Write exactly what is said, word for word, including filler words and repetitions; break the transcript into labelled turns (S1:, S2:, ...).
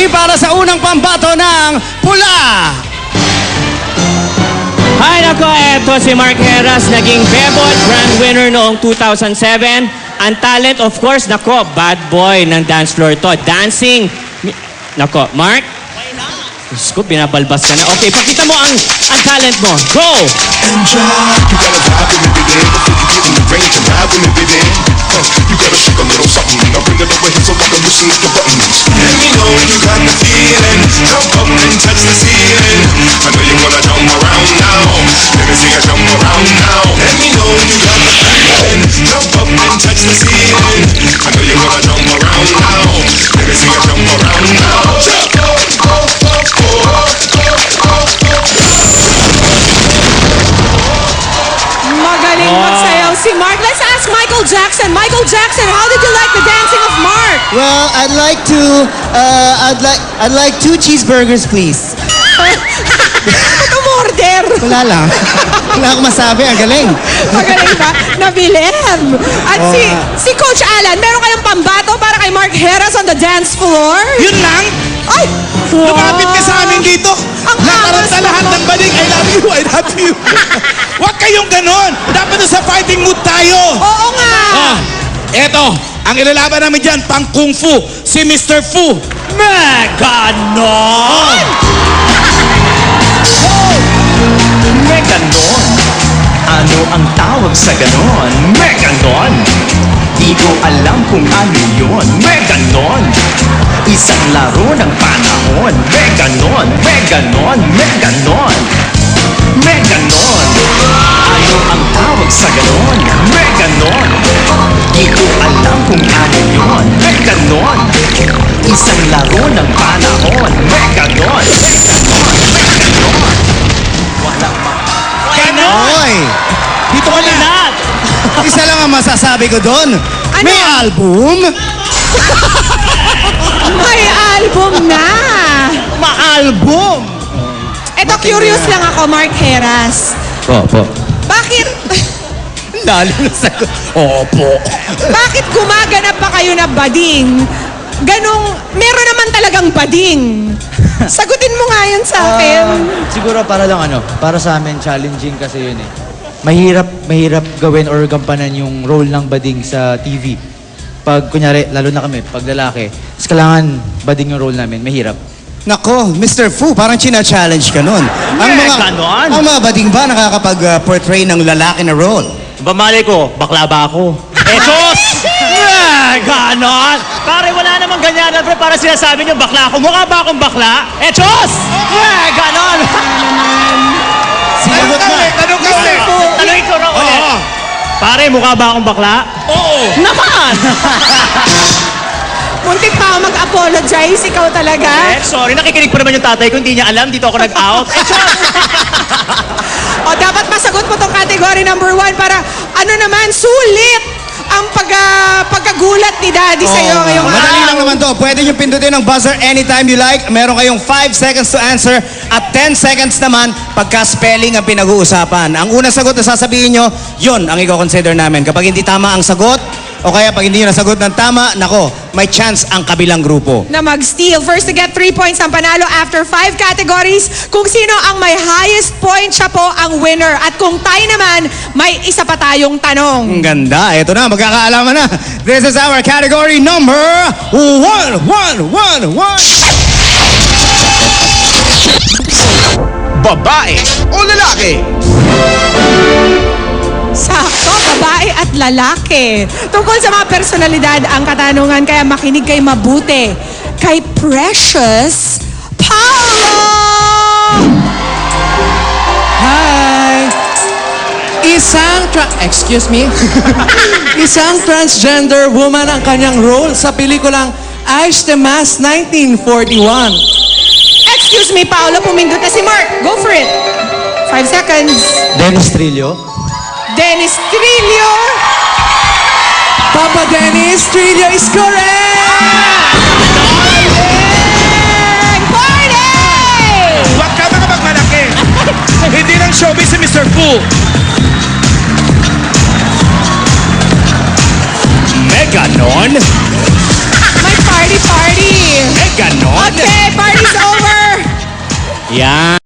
S1: para sa unang pambato ng pula.
S2: Hi, nako, eto si Mark Heras, naging Bebot Grand Winner noong two thousand seven. Ang talent, of course, nako, bad boy ng dance floor to. Dancing. Nako, Mark? Diyos ko, binabalbas ka na. Okay, pakita mo ang, ang talent mo. Go!
S3: Enjoy. You gotta vibe with me, baby. Before you get in the range and ride with me, baby. Uh, you gotta shake a little something. I'll bring it over here so I can loosen up the buttons. Let me know you got the feeling. Jump up and touch the ceiling. I know you wanna jump around now. Let me see you jump around now. Let me know you got the feeling. Jump up and touch the ceiling. I know you wanna jump around now. Let me see you jump around now. Jump up, up, up, up, up, up.
S4: Magaling magsayaw si Mark. Let's ask Michael Jackson. Michael Jackson, how did you like the dancing of Mark?
S1: Well, I'd like to, uh, I'd like, I'd like two cheeseburgers, please.
S4: Ba't umorder?
S1: Wala lang. Wala akong masabi. Ang galing.
S4: Magaling ba? Nabilib. At si, si Coach Alan, meron kayong pambato para kay Mark Heras on the dance floor?
S5: Yun lang?
S4: Ay!
S5: Lumapit ka sa amin dito.
S4: Ang
S5: Nakaranta
S4: angas
S5: lahat
S4: mo.
S5: ng baling. I love you, I love you. Huwag kayong ganon. Dapat na sa fighting mood tayo.
S4: Oo nga!
S5: Ah, eto, ang ilalaban namin dyan, pang Kung Fu, si Mister Fu.
S2: Meganon!
S6: Meganon. Ano ang tawag sa ganon? Meganon. Di ko alam kung ano yun. Meganon. Isang laro ng panahon. Meganon, Meganon, Meganon. Meganon. Ano ang tawag sa ganon? Meganon. Di ko alam kung ano yun. Meganon. Isang laro ng panahon. Meganon, Meganon, Meganon. Wala pa.
S2: Ganon!
S1: Oy! Dito ka na. Isa lang ang masasabi ko doon. May album?
S4: May album na!
S1: Ma-album!
S4: Eto, curious lang ako, Mark Heras.
S1: Opo.
S4: Bakit,
S1: Lalo na sagot. Opo.
S4: bakit gumaganap pa kayo na bading? Ganong, meron naman talagang bading. Sagutin mo nga yun sa akin.
S7: Ah, siguro para lang ano, para sa amin challenging kasi yun eh. Mahirap, mahirap gawin or gampanan yung role ng bading sa T V. Pag kunyari, lalo na kami, pag lalaki, mas kailangan bading yung role namin, mahirap.
S1: Nako, Mister Fu, parang china-challenge ka nun. Ang mga,
S2: ganon.
S1: ang mga bading ba nakakapag-portray ng lalaki na role?
S2: Bamali ko, bakla ba ako? Etos! Meganon! Pare, wala namang ganyan. Pre, para sinasabi niyo, bakla ako. Mukha ba akong bakla? Etos! Meganon!
S1: Sinagot na.
S5: Tanong ka ulit.
S2: Tanungin ko raw ulit.
S5: Oo.
S2: Pare, mukha ba akong bakla?
S5: Oo.
S2: Naman!
S4: Muntik pa ako mag-apologize, ikaw talaga.
S2: Eh, sorry, nakikinig pa naman yung tatay ko. Hindi niya alam, dito ako nag-out. Etos!
S4: O dapat masagot mo tong category number one para ano naman, sulit ang pag, ah, pagkagulat ni Daddy sa'yo
S1: Oo nga.
S4: ngayong
S1: Madali
S4: araw.
S1: lang naman to. Pwede nyo pindutin ang buzzer anytime you like. Meron kayong five seconds to answer at ten seconds naman pagka-spelling ang pinag-uusapan. Ang unang sagot na sasabihin nyo, yun ang i-consider namin. Kapag hindi tama ang sagot, o kaya pag hindi nyo nasagot ng tama, nako, may chance ang kabilang grupo.
S4: Na mag-steal. First to get three points ang panalo after five categories. Kung sino ang may highest point, siya po ang winner. At kung tie naman, may isa pa tayong tanong.
S1: Ang ganda. Ito na, magkakaalaman na. This is our category number one, one, one, one.
S5: Babae o lalaki?
S4: Sakto, babae at lalaki. Tungkol sa mga personalidad ang katanungan, kaya makinig kay mabuti. Kay Precious Paolo!
S8: Hi! Isang tra- excuse me? Isang transgender woman ang kanyang role sa pelikulang Ice the Mask nineteen forty-one.
S4: Excuse me, Paolo, pumindot na si Mark. Go for it. Five seconds.
S7: Dennis Trillo.
S4: Dennis Trillo.
S8: Papa Dennis Trillo is correct!
S4: Party!
S5: Huwag ka mga magmalaki. Hindi lang showbiz si Mister Fu.
S2: Meganon?
S4: May party party.
S2: Meganon?
S4: Okay,
S2: Yan.